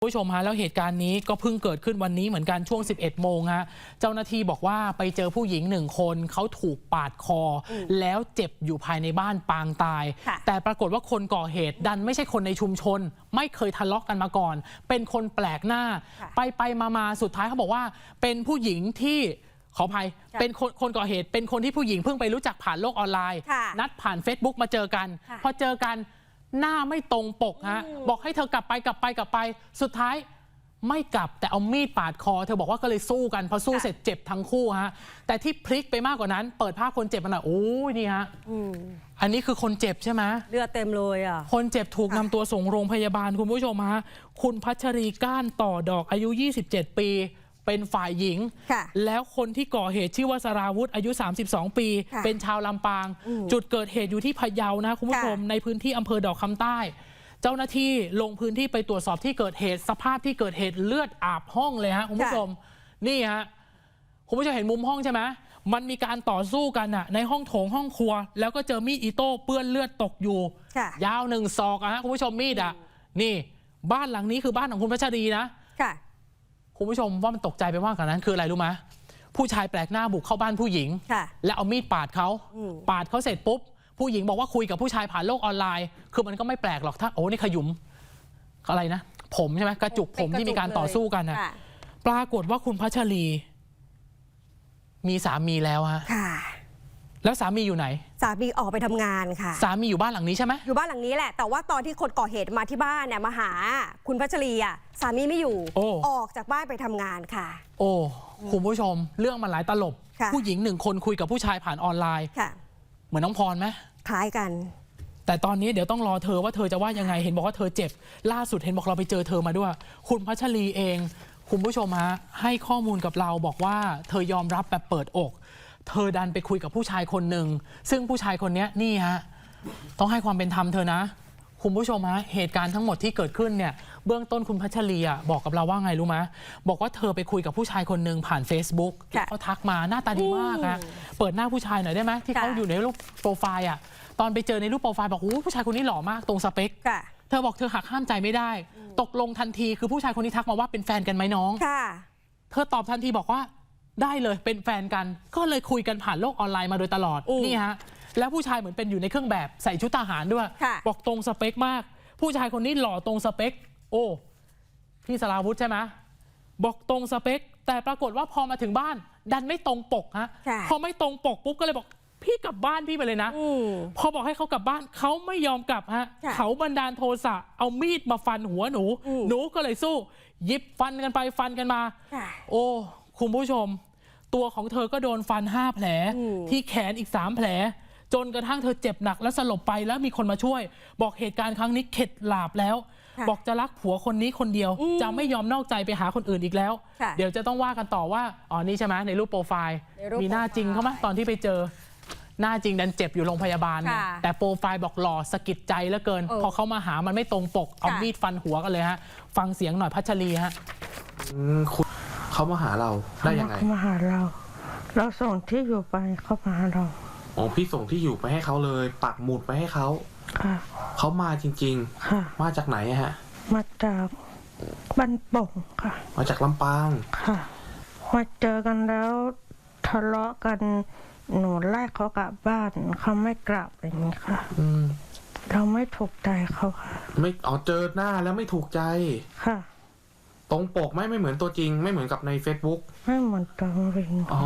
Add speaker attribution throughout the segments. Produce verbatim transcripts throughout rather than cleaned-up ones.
Speaker 1: ผู้ชมฮะแล้วเหตุการณ์นี้ก็เพิ่งเกิดขึ้นวันนี้เหมือนกันช่วงสิบเอ็ดโมงฮะเจ้าหน้าที่บอกว่าไปเจอผู้หญิงหนึ่งคนเขาถูกปาดคอแล้วเจ็บอยู่ภายในบ้านปางตายแต่ปรากฏว่าคนก่อเหตุดันไม่ใช่คนในชุมชนไม่เคยทะเลาะกันมาก่อนเป็นคนแปลกหน้าไปไปมามาสุดท้ายเขาบอกว่าเป็นผู้หญิงที่ขออภัยเป็นคนคนก่อเหตุเป็นคนที่ผู้หญิงเพิ่งไปรู้จักผ่านโลกออนไลน์นัดผ่าน Facebook มาเจอกันพอเจอกันหน้าไม่ตรงปกฮะบอกให้เธอกลับไปกลับไปกลับไปสุดท้ายไม่กลับแต่เอามีดปาดคอเธอบอกว่าก็เลยสู้กันพอสู้เสร็จเจ็บทั้งคู่ฮะแต่ที่พลิกไปมากกว่านั้นเปิดภาพคนเจ็บมาหน่อยโอ้ยนี่ฮะอันนี้คือคนเจ็บใช่ไหม
Speaker 2: เลือดเต็มเลยอ่ะ
Speaker 1: คนเจ็บถูกนำตัวส่งโรงพยาบาลคุณผู้ชมฮะคุณพัชรีก้านต่อดอกอายุยี่สิบเจ็ดปีเป็นฝ่ายหญิงแล้วคนที่ก่อเหตุชื่อว่าสราวุธอายุสามสิบสองปีเป็นชาวลำปางจุดเกิดเหตุอยู่ที่พะเยานะคุณผู้ชมในพื้นที่อำเภอดอกคำใต้เจ้าหน้าที่ลงพื้นที่ไปตรวจสอบที่เกิดเหตุสภาพที่เกิดเหตุเลือดอาบห้องเลยฮะคุณผู้ชมนี่ฮะคุณผู้ชมเห็นมุมห้องใช่ไหมมันมีการต่อสู้กันอะในห้องโถงห้องครัวแล้วก็เจอมีดอิโต้เปื้อนเลือดตกอยู่ยาวหนึ่งศอกอะฮะคุณผู้ชมมีดอะนี่บ้านหลังนี้คือบ้านของคุณพัชรีนะคุณผู้ชมว่ามันตกใจไปมากกว่านั้นคืออะไรรู้ไหมผู้ชายแปลกหน้าบุกเข้าบ้านผู้หญิงแล้วเอามีดปาดเขาปาดเขาเสร็จปุ๊บผู้หญิงบอกว่าคุยกับผู้ชายผ่านโลกออนไลน์คือมันก็ไม่แปลกหรอกถ้าโอ้นี่ขยุมอะไรนะผมใช่ไหมกระจุกผมที่มีการต่อสู้กันนะปรากฏว่าคุณพัชรีมีสามีแล้วฮะแล้วสามีอยู่ไหน
Speaker 2: สามีออกไปทำงานค่ะ
Speaker 1: สามีอยู่บ้านหลังนี้ใช่ไหม
Speaker 2: อยู่บ้านหลังนี้แหละแต่ว่าตอนที่คนก่อเหตุมาที่บ้านเนี่ยมาหาคุณพัชรีอ่ะสามีไม่อยู่ออกจากบ้านไปทำงานค่ะ
Speaker 1: โอ้คุณผู้ชมเรื่องมันหลายตลบผู้หญิงหนึ่งคนคุยกับผู้ชายผ่านออนไลน์เหมือนน้องพรไหม
Speaker 2: คล้ายกัน
Speaker 1: แต่ตอนนี้เดี๋ยวต้องรอเธอว่าเธอจะว่ายังไงเห็นบอกว่าเธอเจ็บล่าสุดเห็นบอกเราไปเจอเธอมาด้วยคุณพัชรีเองคุณผู้ชมฮะให้ข้อมูลกับเราบอกว่าเธอยอมรับแบบเปิดอกเธอดันไปคุยกับผู้ชายคนหนึ่งซึ่งผู้ชายคนนี้นี่ฮะต้องให้ความเป็นธรรมเธอนะคุณผู้ชมฮะเหตุการณ์ทั้งหมดที่เกิดขึ้นเนี่ยเบื้องต้นคุณพัชรีบอกกับเราว่าไงรู้ไหมบอกว่าเธอไปคุยกับผู้ชายคนหนึ่งผ่าน Facebook เขาทักมาหน้าตาดีมากอะเปิดหน้าผู้ชายหน่อยได้ไหมที่เขาอยู่ในรูปโปรไฟล์อะตอนไปเจอในรูปโปรไฟล์บอกโอ้ผู้ชายคนนี้หล่อมากตรงสเปคเธอบอกเธอหักห้ามใจไม่ได้ตกลงทันทีคือผู้ชายคนนี้ทักมาว่าเป็นแฟนกันไหมน้องเธอตอบทันทีบอกว่าได้เลยเป็นแฟนกันก็เลยคุยกันผ่านโลกออนไลน์มาโดยตลอดนี่ฮะแล้วผู้ชายเหมือนเป็นอยู่ในเครื่องแบบใส่ชุดทหารด้วยบอกตรงสเปคมากผู้ชายคนนี้หล่อตรงสเปคโอ้พี่สราวุธใช่ไหมบอกตรงสเปคแต่ปรากฏว่าพอมาถึงบ้านดันไม่ตรงปกฮะพอไม่ตรงปกปุ๊บก็เลยบอกพี่กลับบ้านพี่ไปเลยนะพอบอกให้เขากลับบ้านเขาไม่ยอมกลับฮะเขาบันดาลโทสะเอามีดมาฟันหัวหนูหนูก็เลยสู้หยิบฟันกันไปฟันกันมาโอ้คุณผู้ชมตัวของเธอก็โดนฟันห้าแผลที่แขนอีกสามแผลจนกระทั่งเธอเจ็บหนักและสลบไปแล้วมีคนมาช่วยบอกเหตุการณ์ครั้งนี้เข็ดหลาบแล้วบอกจะรักผัวคนนี้คนเดียวจะไม่ยอมนอกใจไปหาคนอื่นอีกแล้วเดี๋ยวจะต้องว่ากันต่อว่าอ๋อนี่ใช่ไหมในรูปโปรไฟล์มีหน้าจริงเขาไหมตอนที่ไปเจอหน้าจริงดันเจ็บอยู่โรงพยาบาลแต่โปรไฟล์บอกหล่อสะกิดใจเหลือเกินพอเขามาหามันไม่ตรงปกเอามีดฟันหัวกันเลยฮะฟังเสียงหน่อยพัชรีฮะ
Speaker 3: เขามาหาเราได้ยังไง
Speaker 4: เขามาหาเราเราส่งที่อยู่ไปเขามาหาเรา
Speaker 3: อ๋อพี่ส่งที่อยู่ไปให้เขาเลยปักหมุดไปให้เขาค่ะเขามาจริงๆค่ะมาจากไหนฮะ
Speaker 4: มาจากบ้านโป่งค่ะ
Speaker 3: มาจากลำปาง
Speaker 4: ค่ะมาเจอกันแล้วทะเลาะกันหนูไล่เขากลับบ้านเขาไม่กลับอย่างนี้ค่ะอืมเราไม่ถูกใจเขาค่ะ
Speaker 3: ไม่อ๋อเจอหน้าแล้วไม่ถูกใจค่ะตรงปกไม่ไม่เหมือนตัวจริงไม่เหมือนกับใน Facebook
Speaker 4: ไม่เหมือนตัวจริง
Speaker 3: อ๋อ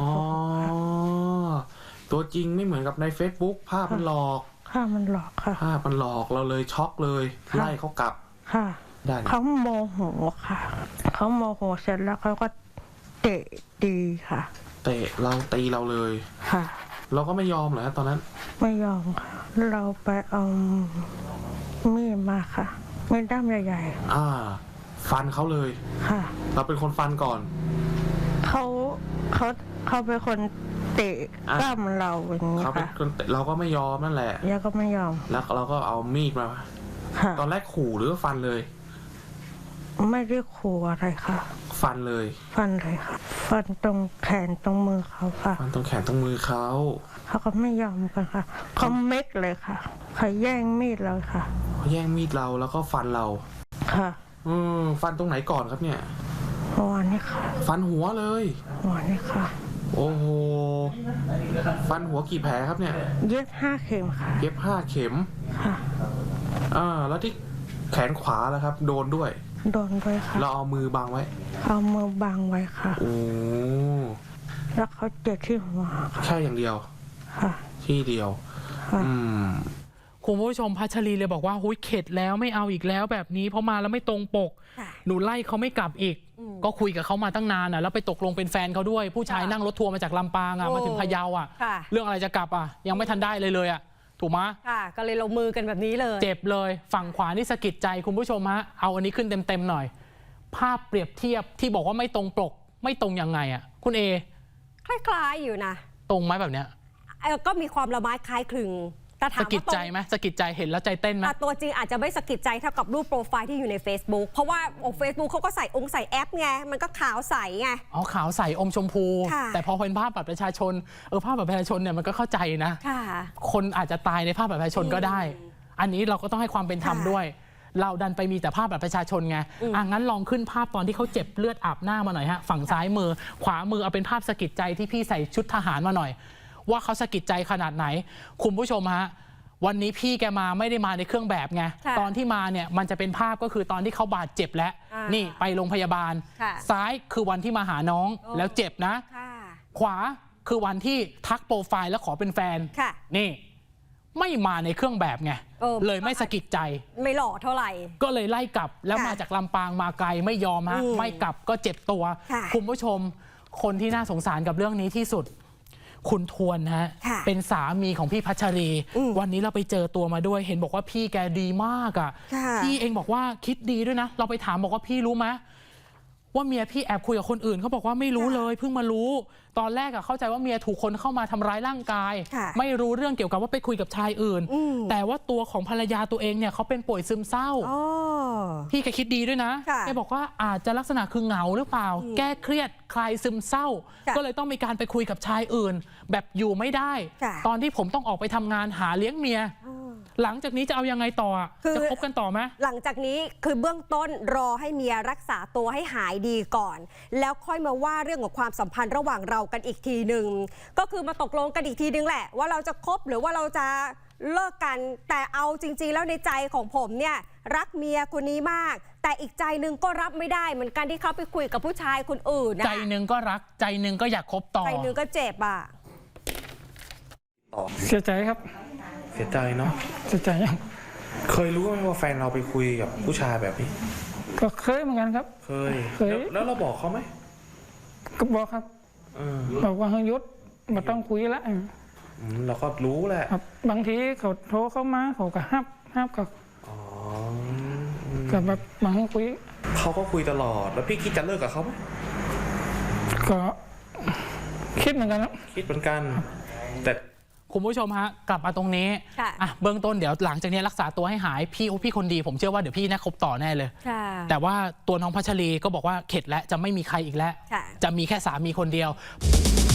Speaker 3: ตัวจริงไม่เหมือนกับใน Facebook ภาพมันหลอก
Speaker 4: ภาพมันหลอกค่ะ
Speaker 3: ภาพมันหลอกเราเลยช็อกเลยไล่เขากลับ
Speaker 4: ค่ะได้เขาโมโหค่ะเขาโมโหเสร็จแล้วเขาก็เตะตีค่ะ
Speaker 3: เตะเราตีเราเลยค่ะเราก็ไม่ยอมเหรอตอนนั้น
Speaker 4: ไม่ยอมค่ะเราไปเอามีดมาค่ะมีดด้ามใหญ่
Speaker 3: ๆอ่าฟันเขาเลยค่ะเราเป็นคนฟันก่อน
Speaker 4: เขาเขาเขาเป็นคนเตะกล้ามเราอย่างนี้ค่ะเขาเป็น
Speaker 3: คนเตะเราก็ไม่ยอมนั่นแหละ
Speaker 4: ยังก็ไม่ยอม
Speaker 3: แล้วเราก็เอามีดมาตอนแรกขู่หรือฟันเลย
Speaker 4: ไม่ได้ขู่อะไรค่ะ
Speaker 3: ฟันเลย
Speaker 4: ฟันเลยค่ะฟันตรงแขนตรงมือเขาค่ะ
Speaker 3: ฟันตรงแขนตรงมือเขา
Speaker 4: เขาก็ไม่ยอมกันค่ะเขาเม็ดเลยค่ะเขาแย่งมีดเราค่ะ
Speaker 3: เขาแย่งมีดเราแล้วก็ฟันเรา
Speaker 4: ค่ะ
Speaker 3: อืมฟันตรงไหนก่อนครับเนี่ย
Speaker 4: หัวนี่ค่ะ
Speaker 3: ฟันหัวเลย
Speaker 4: หัวนี่ค่ะ
Speaker 3: โอ้โหฟันหัวกี่แผลครับเนี่ย
Speaker 4: เย็บห้าเข็มค่ะ
Speaker 3: เย็บห้าเข็ม
Speaker 4: ค่ะ
Speaker 3: อ่าแล้วที่แขนขวาแล้วครับ โดนด้วย
Speaker 4: โดนด้วยค่ะ
Speaker 3: เราเอามือบังไว้
Speaker 4: เอามือบังไว้ค่ะ
Speaker 3: โอ้
Speaker 4: แล้วเขาเจ็บที่หัวค่ะ
Speaker 3: แค่อย่างเดียว
Speaker 4: ค่ะ
Speaker 3: ที่เดียว
Speaker 4: ค่ะ
Speaker 3: อืม
Speaker 1: คุณผู้ชมพัชรีเลยบอกว่าหุยเข็ดแล้วไม่เอาอีกแล้วแบบนี้เพราะมาแล้วไม่ตรงปก
Speaker 2: ค่ะ
Speaker 1: หนูไล่เขาไม่กลับอีก
Speaker 2: อืม
Speaker 1: ก็คุยกับเขามาตั้งนานอ่ะแล้วไปตกลงเป็นแฟนเขาด้วย ผู้ชาย
Speaker 2: ค่ะ
Speaker 1: นั่งรถทัวร์มาจากลำปางอ่ะ
Speaker 2: โอ้
Speaker 1: มาถึงพะเยาอ่ะ
Speaker 2: ค่ะ
Speaker 1: เรื่องอะไรจะกลับอ่ะยังไม่ทันได้เลยเลยอ่ะถูกไหม
Speaker 2: ค่ะ ก็เลยลงมือกันแบบนี้เลย
Speaker 1: เจ็บเลยฝั่งขวานี่สะกิดใจคุณผู้ชมฮะเอาอันนี้ขึ้นเต็มๆหน่อย ภาพเปรียบเทียบที่บอกว่าไม่ตรงปกไม่ตรงยังไงอ่ะคุณเอ
Speaker 2: คล้ายๆอยู่นะ
Speaker 1: ตรงไหมแบบเนี้ย
Speaker 2: เอ่อก็มีความละไม้คล้ายคลึงแต่ถา
Speaker 1: สะ
Speaker 2: ม
Speaker 1: กิด
Speaker 2: ว่าตร
Speaker 1: ใจ
Speaker 2: ง
Speaker 1: ไหมสะกิดใจเห็นแล้วใจเต้นไหม
Speaker 2: อ่ะตัวจริงอาจจะไม่สะกิดใจเท่ากับรูปโปรไฟล์ที่อยู่ใน Facebook เพราะว่าโอ้ Facebook เขาก็ใส่องค์ใส่แอปไง มันก็ขาวใสไง
Speaker 1: อ๋อขาวใสอมชมพู
Speaker 2: ค่ะ
Speaker 1: แต่พอเป็นภาพบัตรประชาชนเออภาพบัตรประชาชนเนี่ยมันก็เข้าใจนะ
Speaker 2: ค่ะ
Speaker 1: คนอาจจะตายในภาพบัตรประชาชนก็ได้ อันนี้เราก็ต้องให้ความเป็นธรรม
Speaker 2: ค่ะ
Speaker 1: ด้วย เราดันไปมีแต่ภาพบัตรประชาชนไง
Speaker 2: อืม
Speaker 1: อ่ะงั้นลองขึ้นภาพตอนที่เขาเจ็บเลือดอาบหน้ามาหน่อยฮะ ฝั่งซ้ายมือ ขวามือเอาเป็นภาพสะกิดใจที่พี่ใส่ชุดทหารมาหน่อย ว่าเขาสะกิดใจขนาดไหน คุณผู้ชมฮะ วันนี้พี่แกมาไม่ได้มาในเครื่องแบบไง
Speaker 2: ค่ะ
Speaker 1: ตอนที่มาเนี่ยมันจะเป็นภาพก็คือตอนที่เขาบาดเจ็บแล้ว
Speaker 2: อ่า
Speaker 1: นี่ไปโรงพยาบาล
Speaker 2: ค่ะ
Speaker 1: ซ้ายคือวันที่มาหาน้อง
Speaker 2: โอ้
Speaker 1: แล้วเจ็บนะ
Speaker 2: ค่ะ
Speaker 1: ขวาคือวันที่ทักโปรไฟล์แล้วขอเป็นแฟน
Speaker 2: ค่ะ
Speaker 1: นี่ ไม่มาในเครื่องแบบไง
Speaker 2: เออ
Speaker 1: เลยไม่สะกิดใจ
Speaker 2: ไม่หล่อเท่าไหร่
Speaker 1: ก็เลยไล่กลับแล้ว
Speaker 2: ค่ะ
Speaker 1: มาจากลำปางมาไกลไม่ยอมฮะ
Speaker 2: อืม
Speaker 1: ไม่กลับก็เจ็บตัว
Speaker 2: ค่ะ
Speaker 1: คุณผู้ชม คนที่น่าสงสารกับเรื่องนี้ที่สุด คุณทวนฮะ
Speaker 2: ค่ะ
Speaker 1: เป็นสามีของพี่พัชรี
Speaker 2: อืม
Speaker 1: วันนี้เราไปเจอตัวมาด้วย เห็นบอกว่าพี่แกดีมากอ่ะ
Speaker 2: ค่ะ
Speaker 1: พี่เองบอกว่าคิดดีด้วยนะ เราไปถามบอกว่าพี่รู้ไหมว่าเมียพี่แอบคุยกับคนอื่นเขาบอกว่าไม่รู้เลยเพิ่งมารู้ ตอนแรกอะเข้าใจว่าเมียถูกคนเข้ามาทำร้ายร่างกาย
Speaker 2: ค่ะ
Speaker 1: ไม่รู้เรื่องเกี่ยวกับว่าไปคุยกับชายอื่น
Speaker 2: อืม
Speaker 1: แต่ว่าตัวของภรรยาตัวเองเนี่ยเขาเป็นป่วยซึมเศร้า
Speaker 2: อ๋อ
Speaker 1: พี่แกคิดดีด้วยนะ
Speaker 2: ค่ะ
Speaker 1: แกบอกว่าอาจจะลักษณะคือเหงาหรือเปล่า
Speaker 2: อืม
Speaker 1: แก้เครียดคลายซึมเศร้า
Speaker 2: ค่ะ
Speaker 1: ก็เลยต้องมีการไปคุยกับชายอื่น แบบอยู่ไม่ได้
Speaker 2: ค่ะ
Speaker 1: ตอนที่ผมต้องออกไปทำงานหาเลี้ยงเมีย
Speaker 2: อ๋อ
Speaker 1: หลังจากนี้จะเอายังไงต่ออะ
Speaker 2: คือ
Speaker 1: จะคบกันต่อไหม
Speaker 2: หลังจากนี้คือเบื้องต้นรอให้เมียรักษาตัวให้หายดีก่อน แล้วค่อยมาว่าเรื่องของความสัมพันธ์ระหว่างเรากันอีกทีหนึ่งก็คือมาตกลงกันอีกทีนึงแหละ ว่าเราจะคบหรือว่าเราจะเลิกกัน แต่เอาจริงๆแล้วในใจของผมเนี่ยรักเมียคนนี้มาก แต่อีกใจหนึ่งก็รับไม่ได้เหมือนกันที่เขาไปคุยกับผู้ชายคนอื่นนะ
Speaker 1: ใจหนึ่งก็รักใจหนึ่งก็อยากคบต่อ
Speaker 2: ใจหนึ่งก็เจ็บอ่ะ
Speaker 5: เสียใจครับ
Speaker 3: เสียใจเนาะ
Speaker 5: เสียใจยัง
Speaker 3: เคยรู้ไหมว่าแฟนเราไปคุยกับผู้ชายแบบนี้
Speaker 5: ก็เคยเหมือนกันครับ
Speaker 3: เคย
Speaker 5: เคย
Speaker 3: แล้วแล้วเราบอกเขาไหม
Speaker 5: ก็บอกครับ
Speaker 3: เออ
Speaker 5: บอกว่าเฮยยุดมาต้องคุยละ
Speaker 3: อืมเราก็รู้แหละ
Speaker 5: ครับบางทีเขาโทรเข้ามาเขาก็ห้ามห้ามกับ
Speaker 3: อ๋อ
Speaker 5: กับแบบมาให้คุย
Speaker 3: เขาก็คุยตลอด แล้วพี่คิดจะเลิกกับเขาไหม
Speaker 5: ก็คิดเหมือนกันครับ
Speaker 3: คิดเหมือนกัน แต่
Speaker 1: คุณผู้ชมฮะกลับมาตรงนี้
Speaker 2: ค่ะ
Speaker 1: อ่ะเบื้องต้นเดี๋ยวหลังจากนี้รักษาตัวให้หายพี่โอ้พี่คนดีผมเชื่อว่าเดี๋ยวพี่น่าคบต่อแน่เลย
Speaker 2: ค่ะ
Speaker 1: แต่ว่าตัวน้องพัชรีก็บอกว่าเข็ดแล้วจะไม่มีใครอีกแล้ว
Speaker 2: ค่ะ
Speaker 1: จะมีแค่สามีคนเดียว